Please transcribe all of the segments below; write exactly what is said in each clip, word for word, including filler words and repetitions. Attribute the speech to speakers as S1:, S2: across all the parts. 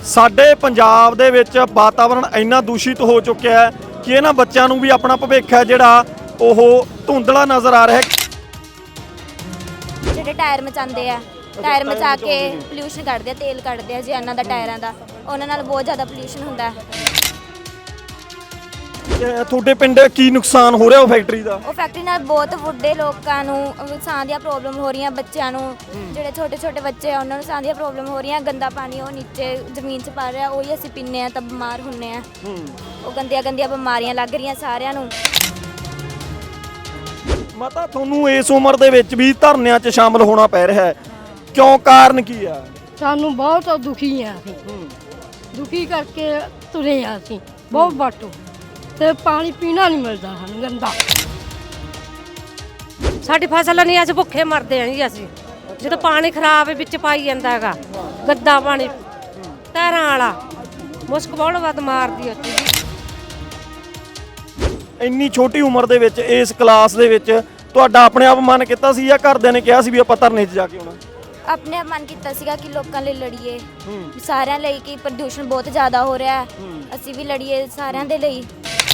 S1: ਸਾਡੇ ਪੰਜਾਬ ਦੇ ਵਿੱਚ ਵਾਤਾਵਰਣ ਇੰਨਾ ਦੂਸ਼ਿਤ ਹੋ ਚੁੱਕਿਆ ਹੈ ਕਿ ਇਹਨਾਂ ਬੱਚਿਆਂ ਨੂੰ ਵੀ ਆਪਣਾ ਭਵਿੱਖ ਹੈ ਜਿਹੜਾ ਉਹ ਧੁੰਦਲਾ ਨਜ਼ਰ ਆ ਰਿਹਾ ਹੈ।
S2: ਜਿਹੜੇ ਟਾਇਰ ਮਚਾਉਂਦੇ ਆ, ਟਾਇਰ ਮਚਾ ਕੇ ਪੋਲਿਊਸ਼ਨ ਕੱਢਦੇ ਆ, ਤੇਲ ਕੱਢਦੇ ਆ ਜੀ ਇਹਨਾਂ ਦਾ ਟਾਇਰਾਂ ਦਾ, ਉਹਨਾਂ ਨਾਲ ਬਹੁਤ ਜ਼ਿਆਦਾ ਪੋਲਿਊਸ਼ਨ ਹੁੰਦਾ ਹੈ।
S1: ਤੁਹਾਡੇ ਪਿੰਡ ਕੀ ਨੁਕਸਾਨ ਹੋ ਰਿਹਾ ਉਹ ਫੈਕਟਰੀ ਦਾ?
S2: ਉਹ ਫੈਕਟਰੀ ਨਾਲ ਬਹੁਤ ਵੱਡੇ ਲੋਕਾਂ ਨੂੰ ਸਾਹ ਦੀਆਂ ਪ੍ਰੋਬਲਮ ਹੋ ਰਹੀਆਂ, ਬੱਚਿਆਂ ਨੂੰ, ਜਿਹੜੇ ਛੋਟੇ ਛੋਟੇ ਬੱਚੇ ਆ ਉਹਨਾਂ ਨੂੰ ਸਾਹ ਦੀਆਂ ਪ੍ਰੋਬਲਮ ਹੋ ਰਹੀਆਂ। ਗੰਦਾ ਪਾਣੀ ਉਹ ਨੀਚੇ ਜ਼ਮੀਨ 'ਚ ਪਾ ਰਿਹਾ, ਉਹੀ ਅਸੀਂ ਪੀਂਦੇ ਆ ਤਾਂ ਬਿਮਾਰ ਹੁੰਨੇ ਆ। ਉਹ ਗੰਦੀਆਂ ਗੰਦੀਆਂ ਬਿਮਾਰੀਆਂ ਲੱਗ ਰਹੀਆਂ ਸਾਰਿਆਂ ਨੂੰ।
S1: ਮਾਤਾ, ਤੁਹਾਨੂੰ ਇਸ ਉਮਰ ਦੇ ਵਿੱਚ ਵੀ ਧਰਨਿਆਂ 'ਚ ਸ਼ਾਮਲ ਹੋਣਾ ਪੈ ਰਿਹਾ ਹੈ, ਕਿਉਂ? ਕਾਰਨ ਕੀ ਆ?
S3: ਸਾਨੂੰ ਬਹੁਤ ਦੁਖੀ ਆ ਅਸੀਂ, ਦੁਖੀ ਕਰਕੇ ਤੁਰੇ ਆ ਅਸੀਂ ਬਹੁਤ ਬਾਟੋ, ਤੇ ਪਾਣੀ ਪੀਣਾ ਨਹੀਂ ਮਿਲਦਾ ਸਾਨੂੰ, ਗੰਦਾ।
S4: ਸਾਡੀ ਫਸਲ ਨਹੀਂ, ਅਸੀਂ ਭੁੱਖੇ ਮਰਦੇ ਆਂ ਜੀ। ਅਸੀਂ ਜਦੋਂ ਪਾਣੀ ਖਰਾਬ ਵਿੱਚ ਪਾਈ ਜਾਂਦਾ ਹੈਗਾ, ਗੰਦਾ ਪਾਣੀ ਟਾਇਰਾਂ ਵਾਲਾ, ਮੁਸ਼ਕ ਬਹੁਤ ਵੱਧ ਮਾਰਦੀ ਉੱਥੇ।
S1: ਇੰਨੀ ਛੋਟੀ ਉਮਰ ਦੇ ਵਿੱਚ ਇਸ ਕਲਾਸ ਦੇ ਵਿੱਚ ਤੁਹਾਡਾ ਆਪਣੇ ਆਪ ਮਨ ਕੀਤਾ ਸੀ ਜਾਂ ਘਰਦਿਆਂ ਨੇ ਕਿਹਾ ਸੀ ਵੀ ਆਪਾਂ ਧਰਨੇ 'ਚ ਜਾ ਕੇ ਆਉਣਾ?
S2: ਆਪਣੇ ਆਪ ਮਨ ਕੀਤਾ ਸੀਗਾ ਕਿ ਲੋਕਾਂ ਲਈ ਲੜੀਏ, ਸਾਰਿਆਂ ਲਈ, ਕਿ ਪ੍ਰਦੂਸ਼ਣ ਬਹੁਤ ਜ਼ਿਆਦਾ ਹੋ ਰਿਹਾ ਹੈ, ਅਸੀਂ ਵੀ ਲੜੀਏ ਸਾਰਿਆਂ ਦੇ ਲਈ।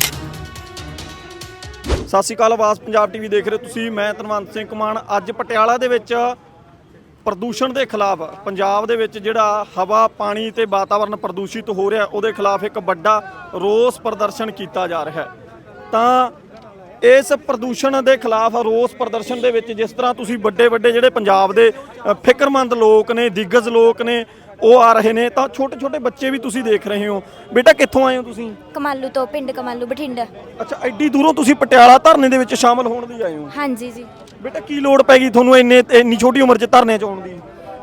S1: ਸਤਿ ਸ਼੍ਰੀ ਅਕਾਲ, ਆਵਾਜ਼ ਪੰਜਾਬ ਟੀਵੀ ਦੇਖ ਰਹੇ ਤੁਸੀਂ, ਮੈਂ ਧਨਵੰਤ ਸਿੰਘ ਮਾਨ। ਅੱਜ ਪਟਿਆਲਾ ਦੇ ਵਿੱਚ ਪ੍ਰਦੂਸ਼ਣ ਦੇ ਖਿਲਾਫ, ਪੰਜਾਬ ਦੇ ਵਿੱਚ ਜਿਹੜਾ ਹਵਾ, ਪਾਣੀ ਤੇ ਵਾਤਾਵਰਣ ਪ੍ਰਦੂਸ਼ਿਤ ਹੋ ਰਿਹਾ, ਉਹਦੇ ਖਿਲਾਫ ਇੱਕ ਵੱਡਾ ਰੋਸ ਪ੍ਰਦਰਸ਼ਨ ਕੀਤਾ ਜਾ ਰਿਹਾ ਹੈ। ਤਾਂ ਇਸ ਪ੍ਰਦੂਸ਼ਣ ਦੇ ਖਿਲਾਫ ਰੋਸ ਪ੍ਰਦਰਸ਼ਨ ਦੇ ਵਿੱਚ ਜਿਸ ਤਰ੍ਹਾਂ ਤੁਸੀਂ ਵੱਡੇ ਵੱਡੇ ਜਿਹੜੇ ਪੰਜਾਬ ਦੇ ਫਿਕਰਮੰਦ ਲੋਕ ਨੇ, ਦਿੱਗਜ ਲੋਕ ਨੇ, ਉਹ ਆ ਰਹੇ ਨੇ, ਤਾਂ ਛੋਟੇ ਛੋਟੇ ਬੱਚੇ ਵੀ ਤੁਸੀਂ ਦੇਖ ਰਹੇ ਹੋ। ਬੇਟਾ, ਕਿੱਥੋਂ ਆਏ ਹੋ ਤੁਸੀਂ?
S2: ਕਮਾਲੂ ਤੋਂ, ਪਿੰਡ ਕਮਾਲੂ, ਬਠਿੰਡਾ।
S1: ਅੱਛਾ, ਐਡੀ ਦੂਰੋਂ ਤੁਸੀਂ ਪਟਿਆਲਾ ਧਰਨੇ ਦੇ ਵਿੱਚ ਸ਼ਾਮਲ ਹੋਣ ਲਈ ਆਏ ਹੋ?
S2: ਹਾਂਜੀ ਜੀ।
S1: ਬੇਟਾ, ਕੀ ਲੋੜ ਪੈ ਗਈ ਤੁਹਾਨੂੰ ਇੰਨੇ ਇੰਨੀ ਛੋਟੀ ਉਮਰ 'ਚ ਧਰਨੇ 'ਚ ਆਉਣ ਦੀ?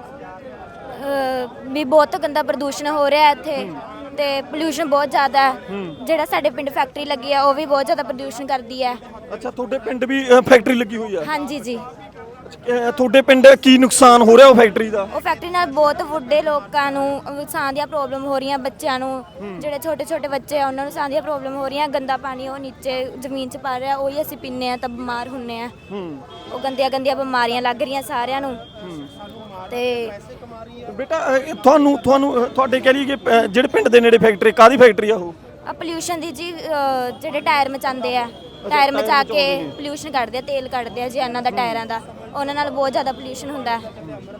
S2: ਵੀ ਬਹੁਤ ਗੰਦਾ ਪ੍ਰਦੂਸ਼ਣ ਹੋ ਰਿਹਾ ਇੱਥੇ, ਤੇ ਪੋਲਿਊਸ਼ਨ ਬਹੁਤ ਜ਼ਿਆਦਾ ਹੈ। ਜਿਹੜਾ ਸਾਡੇ ਪਿੰਡ ਫੈਕਟਰੀ ਲੱਗੀ ਆ ਉਹ ਵੀ ਬਹੁਤ ਜ਼ਿਆਦਾ ਪ੍ਰਦੂਸ਼ਣ ਕਰਦੀ ਹੈ।
S1: ਅੱਛਾ, ਤੁਹਾਡੇ ਪਿੰਡ ਵੀ ਫੈਕਟਰੀ ਲੱਗੀ ਹੋਈ ਆ?
S2: ਹਾਂਜੀ ਜੀ।
S1: ਤੁਹਾਡੇ ਪਿੰਡ ਕੀ ਨੁਕਸਾਨ ਹੋ ਰਿਹਾ ਉਹ ਫੈਕਟਰੀ ਦਾ?
S2: ਉਹ ਫੈਕਟਰੀ ਨਾਲ ਬਹੁਤ ਵੱਡੇ ਲੋਕਾਂ ਨੂੰ ਸਾਹ ਦੀਆਂ ਪ੍ਰੋਬਲਮ ਹੋ ਰਹੀਆਂ, ਬੱਚਿਆਂ ਨੂੰ, ਜਿਹੜੇ ਛੋਟੇ ਛੋਟੇ ਬੱਚੇ ਆ ਉਹਨਾਂ ਨੂੰ ਸਾਹ ਦੀਆਂ ਪ੍ਰੋਬਲਮ ਹੋ ਰਹੀਆਂ। ਗੰਦਾ ਪਾਣੀ ਉਹ ਨੀਚੇ ਜ਼ਮੀਨ 'ਚ ਪਾ ਰਿਹਾ, ਉਹੀ ਅਸੀਂ ਪੀਂਦੇ ਆ ਤਾਂ ਬਿਮਾਰ ਹੁੰਨੇ ਆ। ਉਹ ਗੰਦੀਆਂ ਗੰਦੀਆਂ ਬਿਮਾਰੀਆਂ ਲੱਗ ਰਹੀਆਂ ਸਾਰਿਆਂ ਨੂੰ। ਤੇ
S1: ਬੇਟਾ, ਤੁਹਾਨੂੰ ਤੁਹਾਨੂੰ ਤੁਹਾਡੇ ਕਹਿ ਲਈਏ ਕਿ ਜਿਹੜੇ ਪਿੰਡ ਦੇ ਨੇੜੇ ਫੈਕਟਰੀ, ਕਾਹਦੀ ਫੈਕਟਰੀ ਆ ਉਹ?
S2: ਆ ਪੋਲਿਊਸ਼ਨ ਦੀ ਜੀ, ਜਿਹੜੇ ਟਾਇਰ ਮਚਾਉਂਦੇ ਆ, ਟਾਇਰ ਮਚਾ ਕੇ ਪੋਲਿਊਸ਼ਨ ਕੱਢਦੇ ਆ, ਤੇਲ ਕੱਢਦੇ ਆ ਜੀ ਇਹਨਾਂ ਦਾ ਟਾਇਰਾਂ ਦਾ, ਉਹਨਾਂ ਨਾਲ ਬਹੁਤ ਜ਼ਿਆਦਾ ਪੋਲਿਊਸ਼ਨ ਹੁੰਦਾ ਹੈ।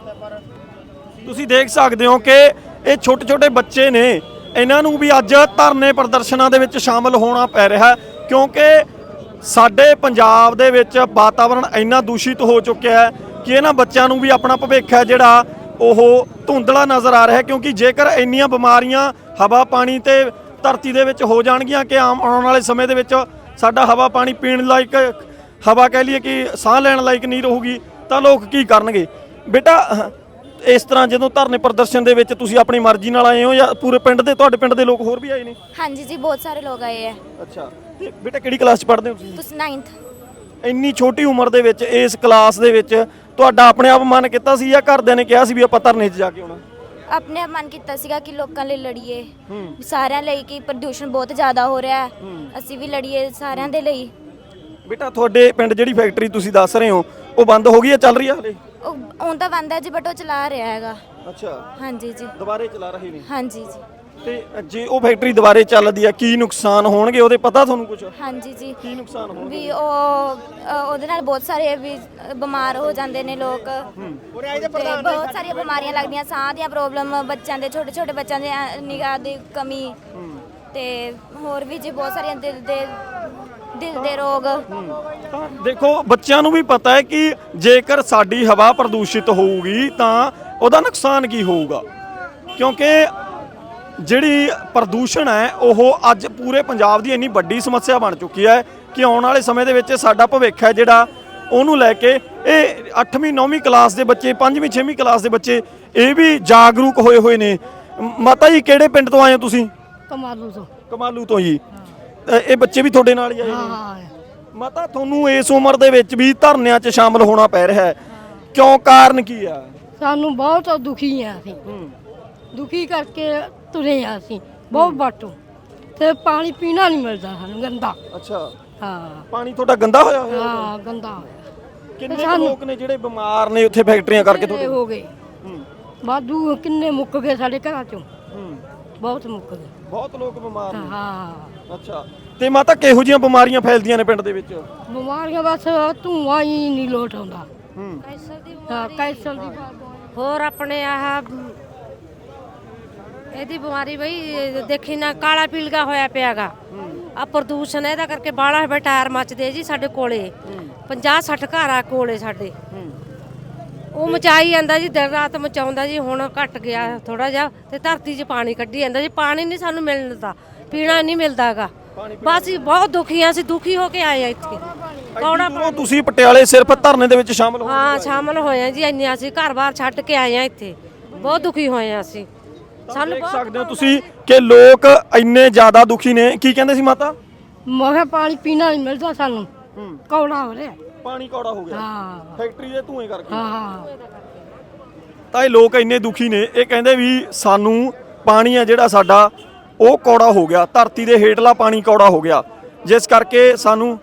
S1: ਤੁਸੀਂ ਦੇਖ ਸਕਦੇ ਹੋ ਕਿ ਇਹ ਛੋਟੇ ਛੋਟੇ ਬੱਚੇ ਨੇ, ਇਹਨਾਂ ਨੂੰ ਵੀ ਅੱਜ ਧਰਨੇ ਪ੍ਰਦਰਸ਼ਨਾਂ ਦੇ ਵਿੱਚ ਸ਼ਾਮਲ ਹੋਣਾ ਪੈ ਰਿਹਾ, ਕਿਉਂਕਿ ਸਾਡੇ ਪੰਜਾਬ ਦੇ ਵਿੱਚ ਵਾਤਾਵਰਣ ਇੰਨਾ ਦੂਸ਼ਿਤ ਹੋ ਚੁੱਕਿਆ ਹੈ ਕਿ ਇਹਨਾਂ ਬੱਚਿਆਂ ਨੂੰ ਵੀ ਆਪਣਾ ਭਵਿੱਖ ਹੈ ਜਿਹੜਾ ਉਹ ਧੁੰਦਲਾ ਨਜ਼ਰ ਆ ਰਿਹਾ। ਕਿਉਂਕਿ ਜੇਕਰ ਇੰਨੀਆਂ ਬਿਮਾਰੀਆਂ ਹਵਾ, ਪਾਣੀ ਤੇ ਧਰਤੀ ਦੇ ਵਿੱਚ ਹੋ ਜਾਣਗੀਆਂ ਕਿ ਆਮ ਆਉਣ ਵਾਲੇ ਸਮੇਂ ਦੇ ਵਿੱਚ ਸਾਡਾ ਹਵਾ, ਪਾਣੀ ਪੀਣ ਲਾਇਕ ਹਵਾ, ਕਹਿ ਲਈਏ ਕਿ ਸਾਹ ਲੈਣ ਲਾਇਕ ਨਹੀਂ ਰਹੂਗੀ, ਤਾਂ ਲੋਕ ਕੀ ਕਰਨਗੇ? ਬੇਟਾ, ਇਸ ਤਰ੍ਹਾਂ ਜਦੋਂ ਧਰਨੇ ਪ੍ਰਦਰਸ਼ਨ ਦੇ ਵਿੱਚ ਤੁਸੀਂ ਆਪਣੀ ਮਰਜ਼ੀ ਨਾਲ ਆਏ ਹੋ ਜਾਂ ਪੂਰੇ ਪਿੰਡ ਦੇ, ਤੁਹਾਡੇ ਪਿੰਡ ਦੇ ਲੋਕ ਹੋਰ ਵੀ ਆਏ ਨੇ?
S2: ਹਾਂਜੀ ਜੀ, ਬਹੁਤ ਸਾਰੇ ਲੋਕ ਆਏ ਆ।
S1: ਅੱਛਾ, ਤੇ ਬੇਟਾ ਕਿਹੜੀ ਕਲਾਸ 'ਚ ਪੜ੍ਹਦੇ ਹੋ ਤੁਸੀਂ?
S2: ਤੁਸੀਂ ਨਾਈਨਥ।
S1: ਇੰਨੀ ਛੋਟੀ ਉਮਰ ਦੇ ਵਿੱਚ ਇਸ ਕਲਾਸ ਦੇ ਵਿੱਚ ਤੁਹਾਡਾ ਆਪਣੇ ਆਪ ਮਨ ਕੀਤਾ ਸੀ ਜਾਂ ਘਰਦਿਆਂ ਨੇ ਕਿਹਾ ਸੀ ਵੀ ਆਪਾਂ ਧਰਨੇ 'ਚ ਜਾ ਕੇ ਆਉਣਾ?
S2: ਆਪਣੇ ਆਪ ਮਨ ਕੀਤਾ ਸੀਗਾ ਕਿ ਲੋਕਾਂ ਲਈ ਲੜੀਏ, ਸਾਰਿਆਂ ਲਈ, ਕਿ ਪ੍ਰਦੂਸ਼ਣ ਬਹੁਤ ਜ਼ਿਆਦਾ ਹੋ ਰਿਹਾ ਹੈ, ਅਸੀਂ ਵੀ ਲੜੀਏ ਸਾਰਿਆਂ ਦੇ ਲਈ।
S1: ਬੇਟਾ, ਤੁਹਾਡੇ ਪਿੰਡ ਜਿਹੜੀ ਫੈਕਟਰੀ ਤੁਸੀਂ ਦੱਸ ਰਹੇ ਹੋ ਉਹ ਬੰਦ ਹੋ ਗਈ ਹੈ, ਚੱਲ ਰਹੀ ਹੈ ਹਲੇ?
S2: ਉਹ ਹੁਣ ਤਾਂ ਬੰਦ ਹੈ ਜੀ, ਬਟ ਉਹ ਚਲਾ ਰਿਹਾ ਹੈਗਾ।
S1: ਅੱਛਾ,
S2: ਹਾਂਜੀ ਜੀ।
S1: ਦੁਬਾਰੇ ਚਲਾ ਰਹੇ ਨੇ?
S2: ਹਾਂਜੀ ਜੀ।
S1: ਤੇ ਜੇ ਉਹ ਫੈਕਟਰੀ ਦੁਬਾਰੇ ਚੱਲਦੀ ਆ, ਕੀ ਨੁਕਸਾਨ ਹੋਣਗੇ ਉਹਦੇ ਪਤਾ ਤੁਹਾਨੂੰ ਕੁਝ?
S2: ਹਾਂਜੀ ਜੀ।
S1: ਕੀ ਨੁਕਸਾਨ ਹੋਣਗੇ?
S2: ਵੀ ਉਹ ਉਹਦੇ ਨਾਲ ਬਹੁਤ ਸਾਰੇ ਵੀ ਬਿਮਾਰ ਹੋ ਜਾਂਦੇ ਨੇ ਲੋਕ, ਤੇ ਬਹੁਤ ਸਾਰੀਆਂ ਬਿਮਾਰੀਆਂ ਲੱਗਦੀਆਂ, ਸਾਹ ਦੀਆਂ ਪ੍ਰੋਬਲਮ, ਬੱਚਿਆਂ ਦੇ, ਛੋਟੇ ਛੋਟੇ ਬੱਚਿਆਂ ਦੇ ਨਿਗਾਹ ਦੀ ਕਮੀ, ਤੇ ਹੋਰ ਵੀ ਜੀ ਬਹੁਤ ਸਾਰੀਆਂ ਦਿਲ ਦੇ ਦਿਲ ਦੇ ਰੋਗ।
S1: ਤਾਂ ਦੇਖੋ, ਬੱਚਿਆਂ ਨੂੰ ਵੀ ਪਤਾ ਹੈ ਕਿ ਜੇਕਰ ਸਾਡੀ ਹਵਾ ਪ੍ਰਦੂਸ਼ਿਤ ਹੋਊਗੀ ਤਾਂ ਉਹਦਾ ਨੁਕਸਾਨ ਕੀ ਹੋਊਗਾ, ਕਿਉਂਕਿ ਜਿਹੜੀ ਪ੍ਰਦੂਸ਼ਣ ਹੈ ਉਹ ਅੱਜ ਪੂਰੇ ਪੰਜਾਬ ਦੀ ਇੰਨੀ ਵੱਡੀ ਸਮੱਸਿਆ ਬਣ ਚੁੱਕੀ ਹੈ ਕਿ ਆਉਣ ਵਾਲੇ ਸਮੇਂ ਦੇ ਵਿੱਚ ਸਾਡਾ ਭਵਿੱਖ ਹੈ ਜਿਹੜਾ ਉਹਨੂੰ ਲੈ ਕੇ ਇਹ ਅੱਠਵੀਂ ਨੌਵੀਂ ਕਲਾਸ ਦੇ ਬੱਚੇ, ਪੰਜਵੀਂ ਛੇਵੀਂ ਕਲਾਸ ਦੇ ਬੱਚੇ ਇਹ ਵੀ ਜਾਗਰੂਕ ਹੋਏ ਹੋਏ ਨੇ। ਮਾਤਾ ਜੀ, ਕਿਹੜੇ ਪਿੰਡ ਤੋਂ ਆਏ ਹੋ ਤੁਸੀਂ?
S3: ਕਮਾਲੂ ਤੋਂ।
S1: ਕਮਾਲੂ ਤੋਂ ਜੀ। ਇਹ ਬੱਚੇ ਵੀ ਤੁਹਾਡੇ ਨਾਲ ਹੀ ਆਏ ਨੇ? ਮਾਤਾ, ਤੁਹਾਨੂੰ ਇਸ ਉਮਰ ਦੇ ਵਿੱਚ ਵੀ ਧਰਨਿਆਂ 'ਚ ਸ਼ਾਮਲ ਹੋਣਾ ਪੈ ਰਿਹਾ ਹੈ, ਕਿਉਂ? ਕਾਰਨ ਕੀ ਆ?
S3: ਸਾਨੂੰ ਬਹੁਤ ਦੁਖੀ ਆ ਅਸੀਂ, ਦੁਖੀ ਕਰਕੇ ਤੁਰੇ ਆ ਅਸੀਂ ਬਹੁਤ ਬਾਟੋ, ਤੇ ਪਾਣੀ ਪੀਣਾ ਨਹੀਂ ਮਿਲਦਾ ਸਾਨੂੰ, ਗੰਦਾ।
S1: ਅੱਛਾ,
S3: ਹਾਂ।
S1: ਪਾਣੀ ਤੁਹਾਡਾ ਗੰਦਾ ਹੋਇਆ ਹੋਇਆ?
S3: ਹਾਂ, ਗੰਦਾ ਹੋਇਆ।
S1: ਕਿੰਨੇ ਲੋਕ ਨੇ ਜਿਹੜੇ ਬਿਮਾਰ ਨੇ ਉੱਥੇ ਫੈਕਟਰੀਆਂ ਕਰਕੇ?
S3: ਤੁਹਾਡੇ ਹੋ ਗਏ ਵਾਧੂ, ਕਿੰਨੇ ਮੁੱਕ ਗਏ ਸਾਡੇ ਘਰਾਂ 'ਚੋਂ। ਬਹੁਤ ਮੁੱਕਦੇ
S1: ਬਹੁਤ ਲੋਕ ਬਿਮਾਰ ਨੇ।
S3: ਹਾਂ
S1: ਅੱਛਾ, ਤੇ ਮਾਤਾ ਕਿਹੋ ਜਿਹੀਆਂ ਬਿਮਾਰੀਆਂ ਫੈਲਦੀਆਂ ਨੇ ਪਿੰਡ ਦੇ ਵਿੱਚ?
S3: ਬਿਮਾਰੀਆਂ ਬਸ ਧੂਆਂ ਹੀ ਨਹੀਂ ਲੋਟ ਆਉਂਦਾ।
S1: ਹੂੰ
S3: ਹਾਂ ਕੈਂਸਰ ਦੀ
S4: ਹੋਰ ਆਪਣੇ ਆਹ ਇਹਦੀ ਬਿਮਾਰੀ ਬਈ ਦੇਖੀ ਨਾ ਕਾਲਾ ਪੀਲਗਾ ਹੋਇਆ ਪਿਆਗਾ ਆ ਪ੍ਰਦੂਸ਼ਣ ਇਹਦਾ ਕਰਕੇ ਬਾਹਲਾ ਹੈ ਟਾਇਰ ਮੱਚਦੇ ਜੀ ਸਾਡੇ ਕੋਲੇ ਪੰਜਾਹ ਸੱਠ ਘਰ ਆ ਕੋਲੇ ਸਾਡੇ ਉਹ ਮਚਾਈ ਜਾਂਦਾ ਜੀ ਦਿਨ ਰਾਤ ਮਚਾਉਂਦਾ ਜੀ ਹੁਣ ਘਟ ਗਿਆ ਥੋੜਾ ਜਿਹਾ ਤੇ ਧਰਤੀ 'ਚ ਪਾਣੀ ਕੱਢੀ ਜਾਂਦਾ ਜੀ ਪਾਣੀ ਨਹੀਂ ਸਾਨੂੰ ਮਿਲਦਾ ਪੀਣਾ ਨਹੀਂ ਮਿਲਦਾਗਾ ਬਸ ਜੀ ਬਹੁਤ ਦੁਖੀ ਆ ਅਸੀਂ ਦੁਖੀ ਹੋ ਕੇ ਆਏ ਆ ਇੱਥੇ ਕੌੜਾ
S1: ਉਹ ਤੁਸੀਂ ਪਟਿਆਲੇ ਸਿਰਫ ਧਰਨੇ ਦੇ ਵਿੱਚ ਸ਼ਾਮਲ ਹੋ?
S4: ਹਾਂ ਸ਼ਾਮਲ ਹੋਏ ਆ ਜੀ ਇੰਨੇ ਅਸੀਂ ਘਰ-ਬਾਰ ਛੱਡ ਕੇ ਆਏ ਆ ਇੱਥੇ ਬਹੁਤ ਦੁਖੀ ਹੋਏ ਆ ਅਸੀਂ ਸਾਨੂੰ
S1: ਦੇਖ ਸਕਦੇ ਹੋ ਤੁਸੀਂ ਕਿ ਲੋਕ ਇੰਨੇ ਜ਼ਿਆਦਾ ਦੁਖੀ ਨੇ। ਕੀ ਕਹਿੰਦੇ ਸੀ ਮਾਤਾ?
S3: ਮੈਂ ਕਿਹਾ ਪਾਣੀ ਪੀਣਾ ਨਹੀਂ ਮਿਲਦਾ ਸਾਨੂੰ ਕੌੜਾ ਹੋ ਰਿਹਾ।
S1: ਪਾਣੀ ਕੌੜਾ ਹੋ ਗਿਆ
S3: ਹਾਂ
S1: ਫੈਕਟਰੀ ਦੇ ਧੂਏ ਕਰਕੇ।
S3: ਹਾਂ
S1: ਤਾਂ ਇਹ ਲੋਕ ਇੰਨੇ ਦੁਖੀ ਨੇ, ਇਹ ਕਹਿੰਦੇ ਵੀ ਸਾਨੂੰ ਪਾਣੀ ਆ ਜਿਹੜਾ ਸਾਡਾ ਉਹ ਕੌੜਾ ਹੋ ਗਿਆ, ਧਰਤੀ ਦੇ ਹੇਠਲਾ ਪਾਣੀ ਕੌੜਾ ਹੋ ਗਿਆ, ਜਿਸ ਕਰਕੇ ਸਾਨੂੰ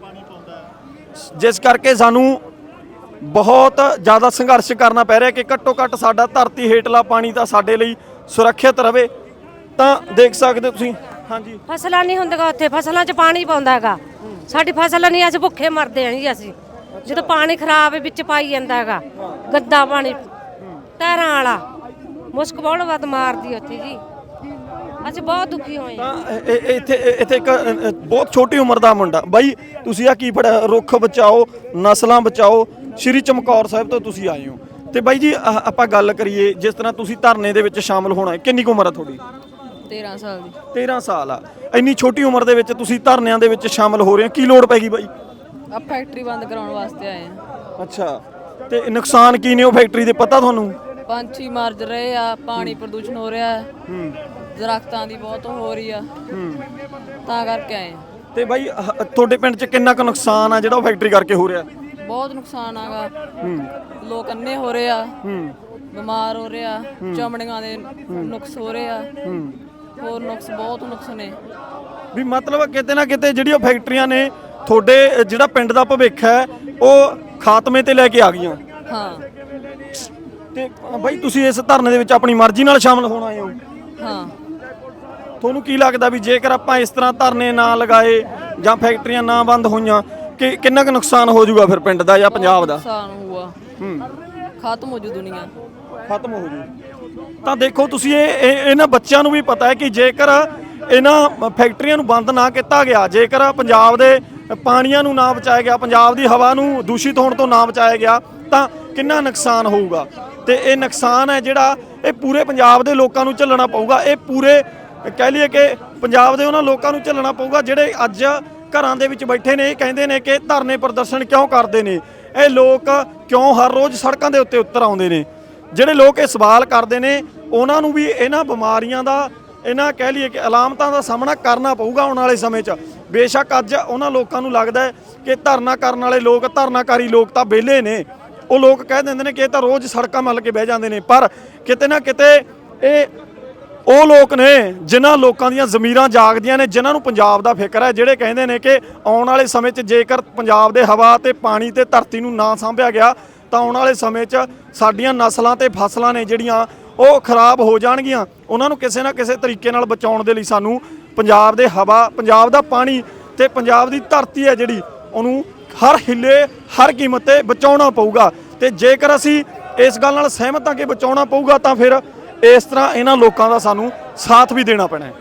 S1: ਜਿਸ ਕਰਕੇ ਸਾਨੂੰ ਬਹੁਤ ਜ਼ਿਆਦਾ ਸੰਘਰਸ਼ ਕਰਨਾ ਪੈ ਰਿਹਾ ਕਿ ਘੱਟੋ ਘੱਟ ਸਾਡਾ ਧਰਤੀ ਹੇਠਲਾ ਪਾਣੀ ਤਾਂ ਸਾਡੇ ਲਈ ਸੁਰੱਖਿਅਤ ਰਵੇ। ਤਾਂ ਦੇਖ ਸਕਦੇ ਹੋ ਤੁਸੀਂ। ਹਾਂਜੀ,
S4: ਫਸਲਾਂ ਨਹੀਂ ਹੁੰਦੀਆਂ ਉੱਥੇ ਫਸਲਾਂ 'ਚ ਪਾਣੀ ਪਾਉਂਦਾ ਹੈਗਾ ਸਾਡੀ ਫਸਲ ਨਹੀਂ ਅਸੀਂ ਭੁੱਖੇ ਮਰਦੇ ਆਂ ਜੀ ਅਸੀਂ ਜਦੋਂ ਪਾਣੀ ਖਰਾਬ ਵਿੱਚ ਪਾਈ ਜਾਂਦਾ ਹੈਗਾ ਗੰਦਾ ਪਾਣੀ ਟਹਿਰਾਂ ਵਾਲਾ ਮੁਸ਼ਕ ਬਹੁਤ ਵੱਧ ਮਾਰਦੀ ਉੱਥੇ ਜੀ ਅਸੀਂ ਬਹੁਤ ਦੁਖੀ ਹੋਏ ਹਾਂ।
S1: ਤਾਂ ਇਹ- ਇਹ- ਇੱਥੇ ਇਹ- ਇੱਥੇ ਇੱਕ ਅ, ਅ, ਬਹੁਤ ਛੋਟੀ ਉਮਰ ਦਾ ਮੁੰਡਾ ਬਾਈ, ਤੁਸੀਂ ਆ ਕੀ ਪੜਿਆ? ਰੁੱਖ ਬਚਾਓ ਨਸਲਾਂ ਬਚਾਓ, ਸ਼੍ਰੀ ਚਮਕੌਰ ਸਾਹਿਬ ਤੋਂ ਤੁਸੀਂ ਆਏ ਹੋ। ਤੇ ਬਾਈ ਜੀ ਆਹ ਆਪਾਂ ਗੱਲ ਕਰੀਏ ਜਿਸ ਤਰ੍ਹਾਂ ਤੁਸੀਂ ਧਰਨੇ ਦੇ ਵਿੱਚ ਸ਼ਾਮਲ ਹੋਣਾ ਹੈ, ਕਿੰਨੀ ਕੁ ਉਮਰ ਆ ਤੁਹਾਡੀ?
S5: ਤੇਰਾਂ ਸਾਲ ਦੀ।
S1: ਤੇਰਾਂ ਸਾਲ ਆ। ਇੰਨੀ ਛੋਟੀ ਉਮਰ ਦੇ ਵਿੱਚ ਤੁਸੀਂ ਧਰਨਿਆਂ ਦੇ ਵਿੱਚ ਸ਼ਾਮਲ ਹੋ ਰਹੇ ਹੋ, ਕੀ ਲੋੜ ਪੈ ਗਈ ਬਾਈ?
S5: ਆ ਫੈਕਟਰੀ ਬੰਦ ਕਰਾਉਣ ਵਾਸਤੇ ਆਏ ਆ।
S1: ਅੱਛਾ, ਤੇ ਨੁਕਸਾਨ ਕੀ ਨੇ ਉਹ ਫੈਕਟਰੀ ਦੇ, ਪਤਾ ਤੁਹਾਨੂੰ?
S5: ਪੰਛੀ ਮਰ ਰਹੇ ਆ, ਪਾਣੀ ਪ੍ਰਦੂਸ਼ਣ ਹੋ ਰਿਹਾ ਹੈ, ਦਰਖਤਾਂ ਦੀ ਬਹੁਤ ਹੋ ਰਹੀ ਆ, ਤਾਂ ਕਰਕੇ ਆਏ ਆ।
S1: ਤੇ ਬਾਈ ਆਹ ਤੁਹਾਡੇ ਪਿੰਡ 'ਚ ਕਿੰਨਾ ਕੁ ਨੁਕਸਾਨ ਆ ਜਿਹੜਾ ਉਹ ਫੈਕਟਰੀ ਕਰਕੇ ਹੋ ਰਿਹਾ?
S5: ਬਹੁਤ ਨੁਕਸਾਨ ਆਗਾ, ਲੋਕ ਅੰਨੇ ਹੋ ਰਹੇ ਆ, ਬਿਮਾਰ ਹੋ ਰਹੇ ਆ, ਚਮੜੀਆਂ ਦੇ ਨੁਕਸ ਹੋ ਰਹੇ ਆ, ਹੋਰ ਨੁਕਸ ਬਹੁਤ ਨੁਕਸ ਨੇ।
S1: ਵੀ ਮਤਲਬ ਕਿਤੇ ਨਾ ਕਿਤੇ ਜਿਹੜੀ ਉਹ ਫੈਕਟਰੀਆਂ ਨੇ ਤੁਹਾਡੇ ਜਿਹੜਾ ਪਿੰਡ ਦਾ ਭਵਿੱਖ ਹੈ ਉਹ ਖਾਤਮੇ ਤੇ ਲੈ ਕੇ ਆ ਗਈਆਂ।
S5: ਹਾਂ
S1: ਤੇ ਬਾਈ ਤੁਸੀਂ ਇਸ ਧਰਨੇ ਦੇ ਵਿੱਚ ਆਪਣੀ ਮਰਜ਼ੀ ਨਾਲ ਸ਼ਾਮਲ ਹੋਣ ਆਏ ਹੋ?
S5: ਹਾਂ
S1: ਤੁਹਾਨੂੰ ਕੀ ਲੱਗਦਾ ਵੀ ਜੇਕਰ ਆਪਾਂ ਇਸ ਤਰ੍ਹਾਂ ਧਰਨੇ ਨਾ ਲਗਾਏ ਜਾਂ ਫੈਕਟਰੀਆਂ ਨਾ ਬੰਦ ਹੋਈਆਂ ਕਿ ਕਿੰਨਾ ਕੁ ਨੁਕਸਾਨ ਹੋ ਜਾਊਗਾ ਫਿਰ ਪਿੰਡ ਦਾ ਜਾਂ ਪੰਜਾਬ ਦਾ?
S5: ਨੁਕਸਾਨ ਹੋਊਗਾ,
S1: ਹੂੰ
S5: ਖਤਮ ਹੋ ਜੂ ਦੁਨੀਆ।
S1: ਖਤਮ ਹੋ ਜੂ। ਤਾਂ ਦੇਖੋ ਤੁਸੀਂ ਇਹ ਇਹ- ਇਹਨਾਂ ਬੱਚਿਆਂ ਨੂੰ ਵੀ ਪਤਾ ਹੈ ਕਿ ਜੇਕਰ ਇਹਨਾਂ ਫੈਕਟਰੀਆਂ ਨੂੰ ਬੰਦ ਨਾ ਕੀਤਾ ਗਿਆ, ਜੇਕਰ ਪੰਜਾਬ ਦੇ ਪਾਣੀਆਂ ਨੂੰ ਨਾ ਬਚਾਇਆ ਗਿਆ, ਪੰਜਾਬ ਦੀ ਹਵਾ ਨੂੰ ਦੂਸ਼ਿਤ ਹੋਣ ਤੋਂ ਨਾ ਬਚਾਇਆ ਗਿਆ ਤਾਂ ਕਿੰਨਾ ਨੁਕਸਾਨ ਹੋਊਗਾ। ਤੇ ਇਹ ਨੁਕਸਾਨ ਹੈ ਜਿਹੜਾ ਇਹ ਪੂਰੇ ਪੰਜਾਬ ਦੇ ਲੋਕਾਂ ਨੂੰ ਝੱਲਣਾ ਪਊਗਾ। ਇਹ ਪੂਰੇ ਕਹਿ ਲਈਏ ਕਿ ਪੰਜਾਬ ਦੇ ਉਹਨਾਂ ਲੋਕਾਂ ਨੂੰ ਝੱਲਣਾ ਪਊਗਾ ਜਿਹੜੇ ਅੱਜ ਘਰਾਂ ਦੇ ਵਿੱਚ ਬੈਠੇ ਨੇ, ਇਹ ਕਹਿੰਦੇ ਨੇ ਕਿ ਧਰਨੇ ਪ੍ਰਦਰਸ਼ਨ ਕਿਉਂ ਕਰਦੇ ਨੇ ਇਹ ਲੋਕ, ਕਿਉਂ ਹਰ ਰੋਜ਼ ਸੜਕਾਂ ਦੇ ਉੱਤੇ ਉਤਰ ਆਉਂਦੇ ਨੇ। ਜਿਹੜੇ ਲੋਕ ਇਹ ਸਵਾਲ ਕਰਦੇ ਨੇ ਉਹਨਾਂ ਨੂੰ ਵੀ ਇਹਨਾਂ ਬਿਮਾਰੀਆਂ ਦਾ, ਇਹਨਾਂ ਕਹਿ ਲਈਏ ਕਿ ਅਲਾਮਤਾਂ ਦਾ ਸਾਹਮਣਾ ਕਰਨਾ ਪਊਗਾ ਆਉਣ ਵਾਲੇ ਸਮੇਂ 'ਚ। ਬੇਸ਼ੱਕ ਅੱਜ ਉਹਨਾਂ ਲੋਕਾਂ ਨੂੰ ਲੱਗਦਾ ਹੈ ਕਿ ਧਰਨਾ ਕਰਨ ਵਾਲੇ ਲੋਕ, ਧਰਨਾਕਾਰੀ ਲੋਕ ਤਾਂ ਵਿਹਲੇ ਨੇ, ਉਹ ਲੋਕ ਕਹਿ ਦਿੰਦੇ ਨੇ ਕਿ ਇਹ ਤਾਂ ਰੋਜ਼ ਸੜਕਾਂ ਮੱਲ ਕੇ ਬਹਿ ਜਾਂਦੇ ਨੇ, ਪਰ ਕਿਤੇ ਨਾ ਕਿਤੇ ਇਹ ਉਹ ਲੋਕ ਨੇ ਜਿਨ੍ਹਾਂ ਲੋਕਾਂ ਦੀਆਂ ਜ਼ਮੀਰਾਂ ਜਾਗਦੀਆਂ ਨੇ, ਜਿਨ੍ਹਾਂ ਨੂੰ ਪੰਜਾਬ ਦਾ ਫਿਕਰ ਹੈ, ਜਿਹੜੇ ਕਹਿੰਦੇ ਨੇ ਕਿ ਆਉਣ ਵਾਲੇ ਸਮੇਂ 'ਚ ਜੇਕਰ ਪੰਜਾਬ ਦੇ ਹਵਾ ਤੇ ਪਾਣੀ ਤੇ ਧਰਤੀ ਨੂੰ ਨਾ ਸਾਂਭਿਆ ਗਿਆ ਤਾਂ ਆਉਣ ਵਾਲੇ ਸਮੇਂ 'ਚ ਸਾਡੀਆਂ ਨਸਲਾਂ ਤੇ ਫਸਲਾਂ ਨੇ ਜਿਹੜੀਆਂ ਉਹ ਖਰਾਬ ਹੋ ਜਾਣਗੀਆਂ। ਉਹਨਾਂ ਨੂੰ ਕਿਸੇ ਨਾ ਕਿਸੇ ਤਰੀਕੇ ਨਾਲ ਬਚਾਉਣ ਦੇ ਲਈ ਸਾਨੂੰ ਪੰਜਾਬ ਦੇ ਹਵਾ, ਪੰਜਾਬ ਦਾ ਪਾਣੀ ਤੇ ਪੰਜਾਬ ਦੀ ਧਰਤੀ ਹੈ ਜਿਹੜੀ, ਉਹਨੂੰ ਹਰ ਹਿੱਲੇ ਹਰ ਕੀਮਤ ਤੇ ਬਚਾਉਣਾ ਪਊਗਾ। ਤੇ ਜੇਕਰ ਅਸੀਂ ਇਸ ਗੱਲ ਨਾਲ ਸਹਿਮਤ ਹਾਂ ਕਿ ਬਚਾਉਣਾ ਪਊਗਾ ਤਾਂ ਫਿਰ ਇਸ ਤਰ੍ਹਾਂ ਇਹਨਾਂ ਲੋਕਾਂ ਦਾ ਸਾਨੂੰ ਸਾਥ ਵੀ ਦੇਣਾ ਪੈਣਾ ਹੈ।